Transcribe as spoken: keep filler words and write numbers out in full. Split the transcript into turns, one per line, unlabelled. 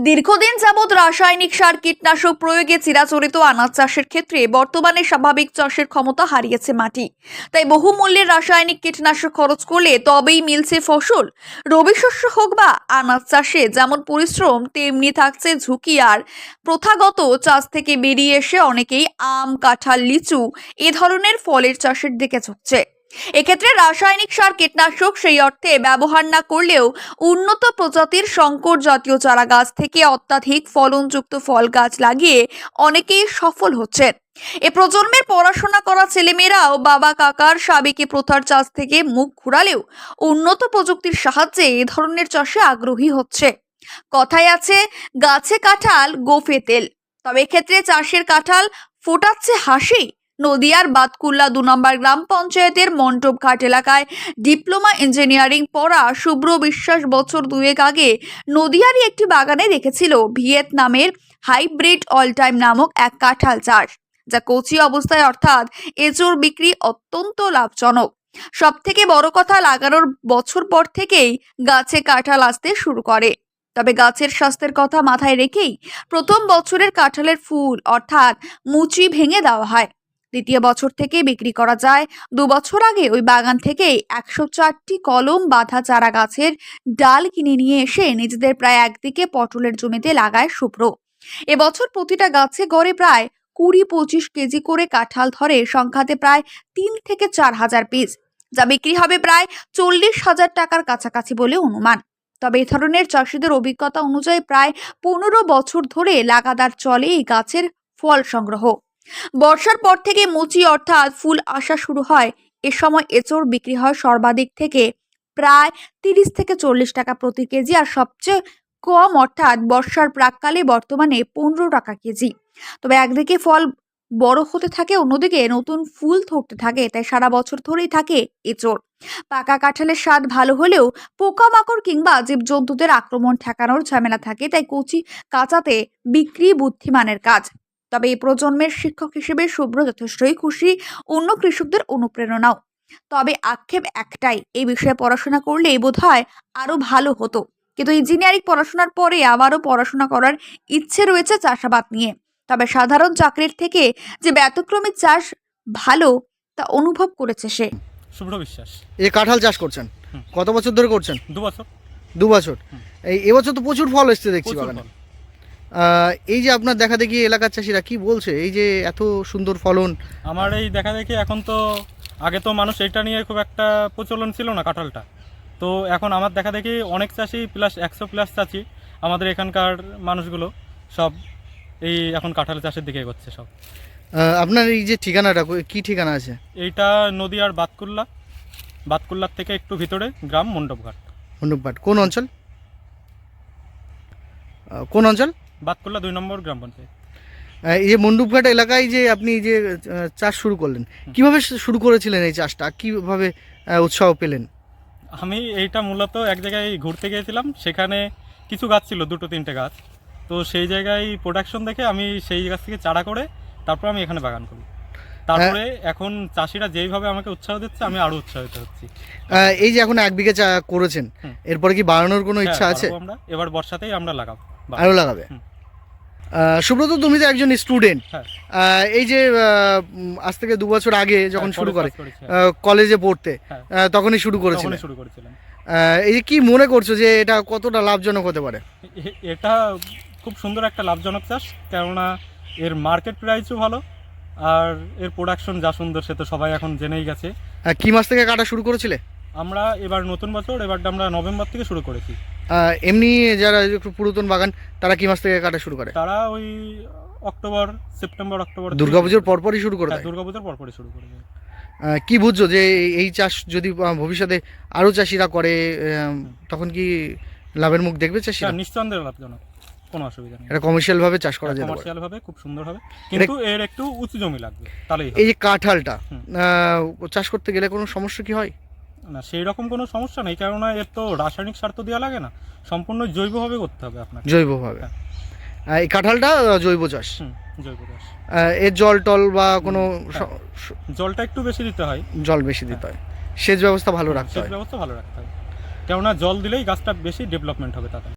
দীর্ঘদিন যাবৎ রাসায়নিক সার কীটনাশক প্রয়োগে চিরাচরিত আনাজ চাষের ক্ষেত্রে বর্তমানে স্বাভাবিক চাষের ক্ষমতা হারিয়েছে মাটি। তাই বহুমূল্যের রাসায়নিক কীটনাশক খরচ করলে তবেই মিলছে ফসল। রবি শস্য হোক বা আনাজ চাষে যেমন পরিশ্রম তেমনি থাকছে ঝুঁকি। আর প্রথাগত চাষ থেকে বেরিয়ে এসে অনেকেই আম, কাঁঠাল, লিচু এ ধরনের ফলের চাষের দিকে ঝুঁকছে। এক্ষেত্রে রাসায়নিক সার কীটনাশক সেই অর্থে ব্যবহার না করলেও উন্নত প্রজাতির শঙ্কর জাতীয় চারা গাছ থেকে অত্যাধিক ফলনযুক্ত ফল গাছ লাগিয়ে অনেকেই সফল হচ্ছেন। এ প্রজন্মের পড়াশোনা করা ছেলেমেয়েরাও বাবা কাকার সাবেকি প্রথার চাষ থেকে মুখ ঘুরালেও উন্নত প্রযুক্তির সাহায্যে এ ধরনের চাষে আগ্রহী হচ্ছে। কথায় আছে, গাছে কাঁঠাল গোফে তেল। তবে এক্ষেত্রে চাষের কাঁঠাল ফোটাচ্ছে হাসি। নদিয়ার বাতকুল্লা দু নম্বর গ্রাম পঞ্চায়েতের মণ্ডপঘাট এলাকায় ডিপ্লোমা ইঞ্জিনিয়ারিং পড়া শুভ্র বিশ্বাস বছর দুয়েক আগে নদিয়ারই একটি বাগানে দেখেছিল ভিয়েতনামের হাইব্রিড অল টাইম নামক এক কাঁঠাল চাষ, যা কচি অবস্থায় অর্থাৎ এঁচোড় বিক্রি অত্যন্ত লাভজনক। সব থেকে বড় কথা, লাগানোর বছর পর থেকেই গাছে কাঁঠাল আসতে শুরু করে। তবে গাছের স্বাস্থ্যের কথা মাথায় রেখেই প্রথম বছরের কাঁঠালের ফুল অর্থাৎ মুচি ভেঙে দেওয়া হয়। দ্বিতীয় বছর থেকে বিক্রি করা যায়। দু বছর আগে ওই বাগান থেকে একশো চারটি কলম বাঁধা চারা গাছের ডাল কিনে নিয়ে এসে নিজেদের প্রায় একদিকে পটলের জমিতে লাগায় শুভ্র। এবছর প্রতিটা গাছে গড়ে প্রায় কুড়ি পঁচিশ কেজি করে কাঁঠাল ধরে, সংখ্যাতে প্রায় তিন থেকে চার হাজার পিস, যা বিক্রি হবে প্রায় চল্লিশ হাজার টাকার কাছাকাছি বলে অনুমান। তবে এ ধরনের চাষিদের অভিজ্ঞতা অনুযায়ী প্রায় পনেরো বছর ধরে লাগাতার চলে এই গাছের ফল সংগ্রহ। বর্ষার পর থেকে মুচি অর্থাৎ ফুল আসা শুরু হয়। এ সময় এঁচোড় বিক্রি হয় সর্বাধিক থেকে প্রায় তিরিশ থেকে চল্লিশ টাকা প্রতি কেজি, আর সবচেয়ে কম অর্থাৎ বর্ষার প্রাককালে বর্তমানে পনেরো টাকা কেজি। তবে একদিকে ফল বড় হতে থাকে, অন্যদিকে নতুন ফুল ধরতে থাকে, তাই সারা বছর ধরেই থাকে এঁচোড়। পাকা কাঁঠালের স্বাদ ভালো হলেও পোকামাকড় কিংবা জীবজন্তুদের আক্রমণ ঠেকানোর ঝামেলা থাকে, তাই কচি কাঁচাতে বিক্রি বুদ্ধিমানের কাজ। তবে এই প্রজন্মের শিক্ষক হিসেবে শুভ্র যথেষ্টই খুশি, অন্য কৃষকদের অনুপ্রেরণাও। তবে আক্ষেপ একটাই, এই বিষয়ে পড়াশোনা করলে বোধহয় আরো ভালো হতো। কিন্তু ইঞ্জিনিয়ারিং পড়াশোনার পরে আবারও পড়াশোনা করার ইচ্ছে রয়েছে চাষাবাদ নিয়ে। তবে সাধারণ চাকরির থেকে যে ব্যতিক্রমী চাষ ভালো তা অনুভব করেছে সে।
শুভ্র বিশ্বাস।
এই কাঁঠাল চাষ করছেন কত বছর ধরে করছেন?
দু বছর।
দু বছর। এই এবছর তো প্রচুর ফল এসছে দেখছি
প্রচুর
বাগানে।
ফল।
আহ, এই যে আপনার দেখা দেখি এলাকার চাষিরা কি বলছে, এই যে এত সুন্দর ফলন?
আমার এই দেখা দেখি এখন তো, আগে তো মানুষ এইটা নিয়ে খুব একটা প্রচলন ছিল না কাঁঠালটা, তো এখন আমার দেখা দেখি অনেক চাষি প্লাস একশো প্লাস চাষি আমাদের এখানকার মানুষগুলো সব এই এখন কাঁঠাল চাষের দিকে এগোচ্ছে সব।
আহ, আপনার এই যে ঠিকানাটা কি ঠিকানা আছে?
এইটা নদীয়ার বাতকুল্লা, বাতকুল্লার থেকে একটু ভিতরে গ্রাম মণ্ডপঘাট।
মণ্ডপঘাট কোন অঞ্চল? আহ, কোন অঞ্চল?
বাতকুল্লা দুই নম্বর গ্রাম পঞ্চায়েত।
আহ, এই যে মণ্ডপঘাট এলাকায় যে আপনি যে আহ, চাষ শুরু করলেন, কিভাবে শুরু করেছিলেন এই চাষটা, কিভাবে আহ, উৎসাহ পেলেন?
আমি এইটা মূলত এক জায়গায় ঘুরতে গিয়েছিলাম, সেখানে কিছু গাছ ছিল, দুটো তিনটে গাছ, তো সেই জায়গায় প্রোডাকশন দেখে আমি সেই গাছ থেকে চারা করে তারপর আমি এখানে বাগান করি। তারপরে এখন চাষিরা যেইভাবে আমাকে উৎসাহ দিচ্ছে আমি আরো উৎসাহিত হচ্ছি।
আহ, এই যে এখন এক বিঘে চা করেছেন, এরপরে কি বাড়ানোর কোনো ইচ্ছা
হ্যাঁ,
আছে?
আমরা এবার বর্ষাতেই আমরা লাগাবো।
আরো লাগাবে? আহ, সুব্রত, তুমি তো একজন স্টুডেন্ট। এই যে আহ, উম, আজ থেকে দু বছর আগে যখন শুরু করে আহ, কলেজে পড়তে, আহ, তখনই শুরু করেছিলেন।
শুরু করেছিলাম।
আহ, এই যে কি মনে করছো যে এটা কতটা লাভজনক হতে পারে?
এ- এটা খুব সুন্দর একটা লাভজনক চাষ, কেননা এর মার্কেট প্রাইসও ভালো আর এর প্রোডাকশন যা সুন্দর সে তো সবাই এখন জেনেই গেছে।
আহ, কি মাস থেকে কাটা শুরু করেছিলে?
আমরা এবার নতুন বছর, এবারটা আমরা নভেম্বর থেকে শুরু করেছি।
আহ, এমনি যারা একটু পুরাতন বাগান তারা কি মাস থেকে কাটা শুরু করে?
তারা ওই অক্টোবর, সেপ্টেম্বর অক্টোবর,
দুর্গাপুজোর পরপরই শুরু করে
হ্যাঁ,
দেয়?
দুর্গাপুজোর পরপরই শুরু করে দেয়।
আহ, কি বুঝছো যে এই- এই চাষ যদি আহ, ভবিষ্যতে আরো চাষিরা করে, আহ, তখন কি লাভের মুখ দেখবে চাষিরা?
হ্যাঁ, নিঃসন্দেহে লাভজনক, কোনো অসুবিধা নেই।
এটা কমার্শিয়াল ভাবে চাষ করা যেতে পারে?
কমার্শিয়াল ভাবে খুব সুন্দর হবে, কিন্তু এর একটু উঁচু জমি লাগবে তাহলেই হবে।
এই যে কাঁঠালটা আহ, চাষ করতে গেলে কোনো সমস্যা কি হয়?
না, সেই রকম কোনো সমস্যা নেই, কেননা এর তো রাসায়নিক সার তো দেওয়া লাগে না, সম্পূর্ণ জৈবভাবে করতে হবে আপনাকে।
জৈবভাবে?
হ্যাঁ।
আহ, এই কাঁঠালটা আহ, জৈব চাষ।
হুম, জৈব চাষ।
আহ, এর জল টল বা কোনো
হ্যাঁ।
স- স-
জলটা একটু বেশি দিতে হয়,
জল বেশি দিতে হয়, সেচ ব্যবস্থা ভালো রাখতে
সেচ
হয়।
ব্যবস্থা ভালো রাখতে হবে, কেননা জল দিলেই গাছটা বেশি ডেভেলপমেন্ট হবে তাতে।